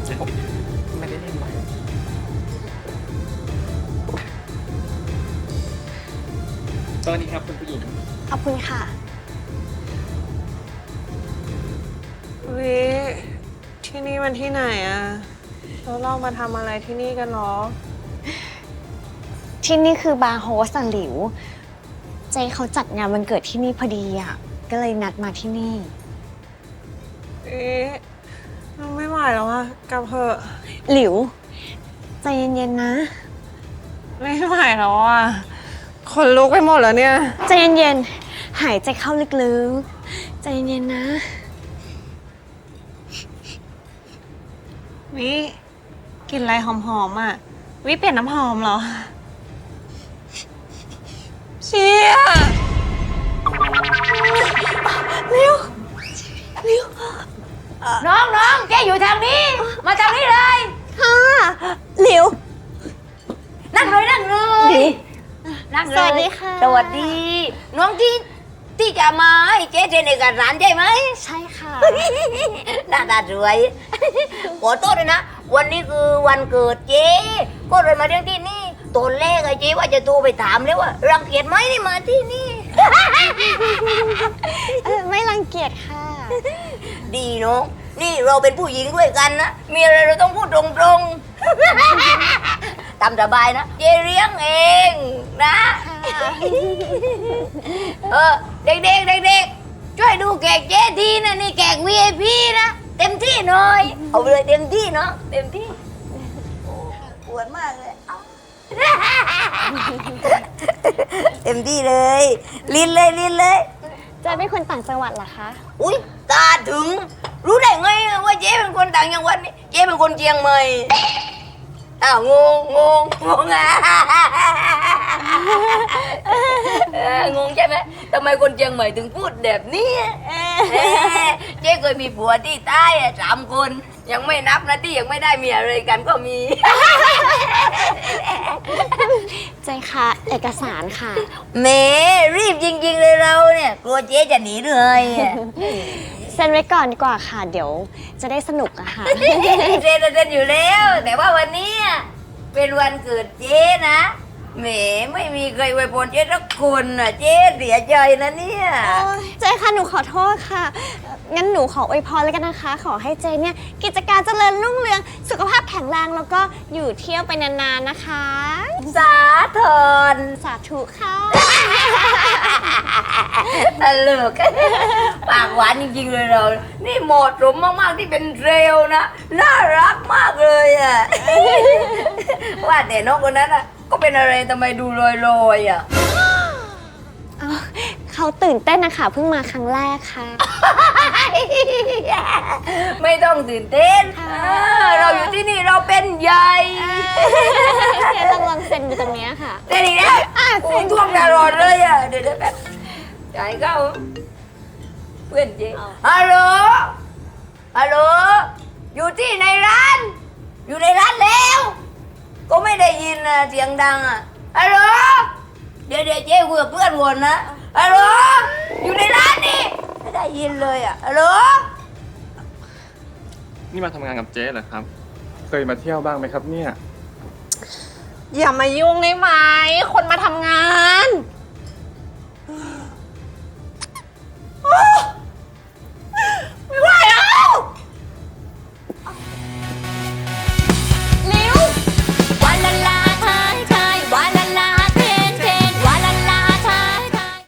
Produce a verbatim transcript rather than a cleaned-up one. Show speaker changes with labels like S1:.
S1: ไม่ได้เล่นไหมสวัสดีครับคุณผู้หญิง
S2: ขอบคุณค่ะ
S3: วิที่นี่มันที่ไหนอะแล้วเรามาทำอะไรที่นี่กันหรอ
S2: ที่นี่คือบาร์โฮสหลิวเจเขาจัดงานวันเกิดที่นี่พอดีอ่ะก็เลยนัดมาที่นี่
S3: เอ๊ะเราไม่ไหวแล้วอะกลับเถอะ
S2: หลิวใจเย็นๆนะ
S3: ไม่ไหวแล้วอะคนลุกไปหมดแล้วเนี่ย
S2: ใจเย็นๆหายใจเข้าลึกๆใจเย็นๆนะ
S3: วิกลิ่นอะไรหอมๆอ่ะวิเปลี่ยนน้ำหอมเหรอเชี่ยเร็วเร็ว
S4: น้องน้องแกอยู่ทางนี้ มาทางนี้เลย
S2: ค่ะหลิว
S4: นั่งเลยนั่งเลยนั่งเลย
S2: สวัสดีค่ะ
S4: สวัสดีน้องที่ที่จะมาให้เจ๊เทนเอกสารใช่ไหม
S2: ใช่ค่ะ
S4: หน้าตาสวยขอโทษเลยนะวันนี้คือวันเกิดเจ๊ก็เลยมาเรื่องที่นี่ตอนแรกไอ้เจ๊ว่าจะโทรไปถามแล้วว่ารังเกียจไหมที่มาที่นี่
S2: เออไม่รังเกียจค่ะ
S4: ดีเนาะนี่เราเป็นผู้หญิงด้วยกันนะมีอะไรเราต้องพูดตรงๆตามสบายนะเจ๊เลี้ยงเองนะเออเด็กๆเด็กๆช่วยดูแขกเจ๊ทีนะนี่แขก วี ไอ พี นะเต็มที่หน่อยเอาไปเลยเต็มที่เนาะเต็มที่โอ้ปวดมากเลยเอาเต็มที่เลยลิ้นเลยลิ้นเลย
S2: เจเป็นคนต่างจังหวัดเหรอคะ
S4: อุ้ยตาถึงรู้ได้ไงว่าเจ๊เป็นคนต่างจังหวัดนี่เจ๊เป็นคนเชียงใหม่อ้าวงงงงงงอ่ะงงใช่ไหมทำไมคนเชียงใหม่ถึงพูดแบบนี้เจ๊เคยมีผัวที่ใต้สามคนยังไม่นับนะที่ยังไม่ได้เมียเลยกันก็มี
S2: เจค่ะเอกสารค่ะ
S4: เมรีบจริงๆเลยเราเนี่ยกลัวเจ๊จะหนีเลย
S2: เซ็นไว้ก่อนดีกว่าค่ะเดี๋ยวจะได้สนุกอะค่ะ
S4: เซ็นเซ็นอยู่แล้วแต่ว่าวันนี้เป็นวันเกิดเจ๊นะแหมไม่มีใครอวยพรเจ๊สักคนอ่ะเจ๊เสียใจนะเนี่ย
S2: เจค่ะหนูขอโทษค่ะงั้นหนูขออวยพรเลยกันนะคะขอให้เจเนี่ยกิจการเจริญรุ่งเรืองสุขภาพแข็งแรงแล้วก็อยู่เที่ยวไปนานๆนะคะ
S4: สาธร
S2: สาธุค่ะ
S4: ตลกปากหวานจริงๆเลยเรานี่เหมาะสมมากๆที่เป็นเทรลนะน่ารักมากเลยอ่ะว่าแต่น้องคนนั้นอ่ะก็เป็นอะไรทำไมดูลอยๆอ่ะ
S2: เขาตื่นเต้นนะคะเพิ่งมาครั้งแรกค่ะ
S4: ไม่ต้องตื่นเต้นเราอยู่ที่นี่เราเป็นใหญ่
S2: เดี๋ยวต้องลองเซ็นอยู่ตรงนี้ค่ะ
S4: เซ็นอีกแล้วผมท่วงตลอดเลยอ่ะเดี๋ยวแบบจ่ายเข้าเพื่อนเจ๊ฮัลโหลฮัลโหลอยู่ที่ในร้านอยู่ในร้านแล้วก็ไม่ได้ยินนะเสียงดังอ่ะฮัลโหลเดี๋ยวเดี๋ยวเจ๊คุยกับเพื่อนวนนะฮัลโหลอยู่ในร้านนี่ไม่ได้ยินเลยอ่ะฮัลโหล
S1: นี่มาทำงานกับเจ๊เหรอครับเคยมาเที่ยวบ้างไหมครับเนี่ย
S3: อย่ามายุ่งได้ไหมคนมาทำงาน